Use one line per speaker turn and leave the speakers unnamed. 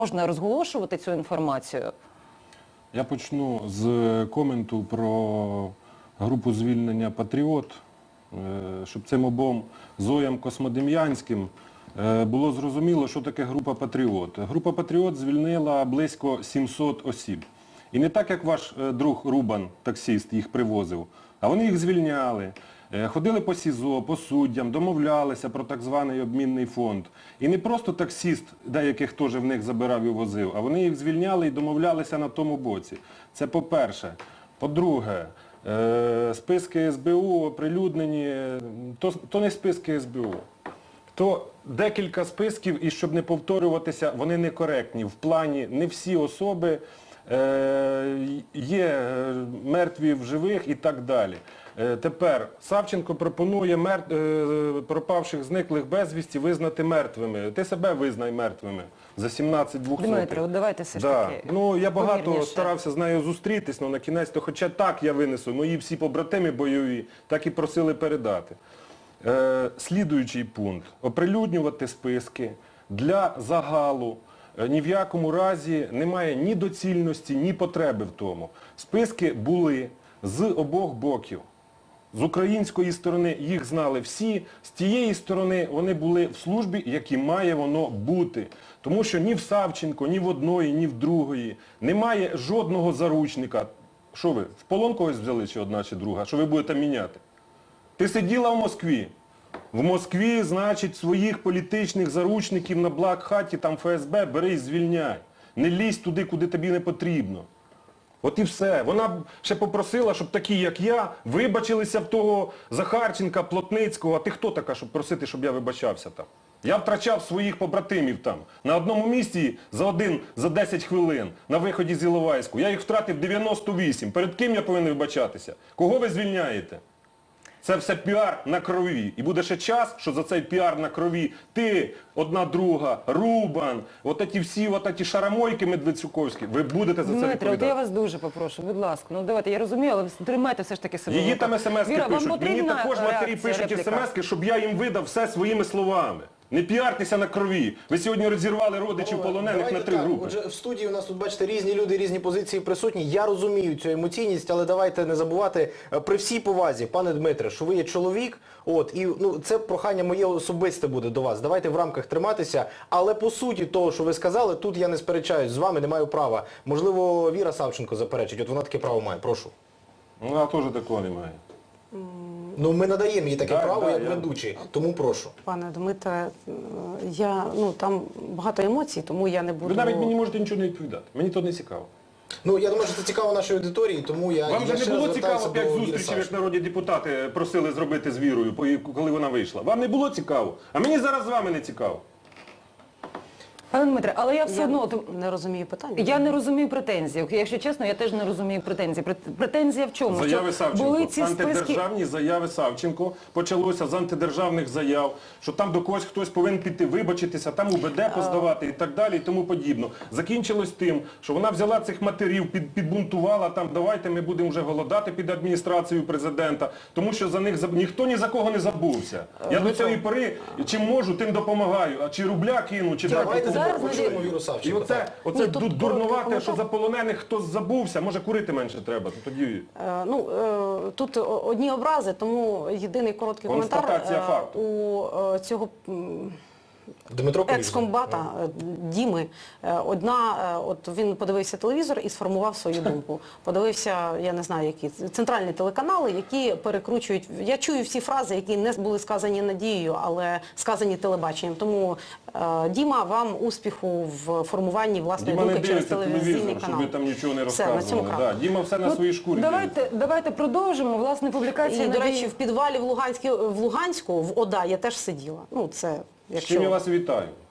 можна розголошувати цю інформацію?
Я почну з коменту про групу звільнення «Патріот», щоб цим обом Зоям Космодем'янським було зрозуміло, що таке група «Патріот». Група «Патріот» звільнила близько 700 осіб. І не так, як ваш друг Рубан, таксист, їх привозив, а вони їх звільняли. Ходили по СІЗО, по суддям, домовлялися про так званий обмінний фонд. І не просто таксист, деяких теж в них забирав і возив, а вони їх звільняли і домовлялися на тому боці. Це по-перше. По-друге, списки СБУ оприлюднені, то не списки СБУ. То декілька списків, і щоб не повторюватися, вони некоректні. В плані не всі особи є мертві в живих і так далі. Тепер Савченко пропонує пропавших, зниклих безвісті визнати мертвими. Ти себе визнай мертвими за 17 200.
Дмитро, давайте все ж таки.
Ну, я багато
повірніше.
старався з нею зустрітись, але на кінець, то хоча так я винесу, мої всі побратими бойові, так і просили передати. Слідуючий пункт. Оприлюднювати списки для загалу. Ні в якому разі немає ні доцільності, ні потреби в тому. Списки були з обох боків. З української сторони їх знали всі, з тієї сторони вони були в службі, як і має воно бути. Тому що ні в Савченко, ні в одної, ні в другої немає жодного заручника. Що ви, в полон когось взяли, чи одна, чи друга? Що ви будете міняти? Ти сиділа в Москві. В Москві, значить, своїх політичних заручників на Блак-хаті, там ФСБ, бери і звільняй. Не лізь туди, куди тобі не потрібно. От і все. Вона ще попросила, щоб такі, як я, вибачилися в того Захарченка, Плотницького. А ти хто така, щоб просити, щоб я вибачався там? Я втрачав своїх побратимів там. На одному місці за 10 хвилин на виході з Іловайську. Я їх втратив 98. Перед ким я повинен вибачатися? Кого ви звільняєте? Це все піар на крові. І буде ще час, що за цей піар на крові ти, одна друга, Рубан, от ці всі шарамойки медведчуковські, ви будете за це відповідати.
Дмитро, я вас дуже попрошу, будь ласка. Ну давайте, я розумію, але тримайте все ж таки себе.
Її там смс-ки пишуть. Мені також матері пишуть смс-ки, щоб я їм видав все своїми словами. Не піартеся на крові. Ви сьогодні розірвали родичів полонених на 3 групи.
Отже, в студії у нас тут, бачите, різні люди, різні позиції присутні. Я розумію цю емоційність, але давайте не забувати, при всій повазі, пане Дмитре, що ви є чоловік, і це прохання моє особисте буде до вас. Давайте в рамках триматися, але по суті того, що ви сказали, тут я не сперечаюсь з вами, не маю права. Можливо, Віра Савченко заперечить, от вона таке право має. Прошу.
Вона теж такого немає.
Ну, ми надаємо їй таке право, як ведучі, тому прошу.
Пане Дмитре, там багато емоцій, тому я не буду...
Ви навіть мені можете нічого не відповідати. Мені то не цікаво.
Ну, я думаю, що це цікаво нашій аудиторії, тому я...
Вам же не було цікаво 5 зустрічей, як народні депутати просили зробити з Вірою, коли вона вийшла? Вам не було цікаво? А мені зараз з вами не цікаво.
Пане Дмитре, але я все одно...
не розумію питання.
Я не розумію претензій. Якщо чесно, я теж не розумію претензій. Претензія в чому?
Заяви Савченко.
Були ці
Антидержавні заяви Савченко. Почалося з антидержавних заяв, що там до когось хтось повинен піти вибачитися, там УБД поздавати і так далі, і тому подібно. Закінчилось тим, що вона взяла цих матерів, підбунтувала, там давайте ми будемо вже голодати під адміністрацією президента, тому що за них ніхто ні за кого не забувся. Я до цієї пори, чим можу, тим допомагаю. А чи рубля кину, чи
Почуємо Віру Савченко.
І оце дурнувате, що за полонених хтось забувся, може курити менше треба. Тоді...
Тут одні образи, тому єдиний короткий коментар у цього... екс-комбата Діми. Він подивився телевізор і сформував свою думку. Подивився, я не знаю, які центральні телеканали, які перекручують. Я чую всі фрази, які не були сказані Надією, але сказані телебаченням. Тому, Діма, вам успіху в формуванні власної думки через телевізійний канал.
Щоб ви там нічого не розказували. Діма все на своїй шкурі.
Давайте продовжимо. Власне, публікація...
І, до речі, в підвалі в Луганську, в ОДА, я теж сиділа.
З чим я вас вітаю.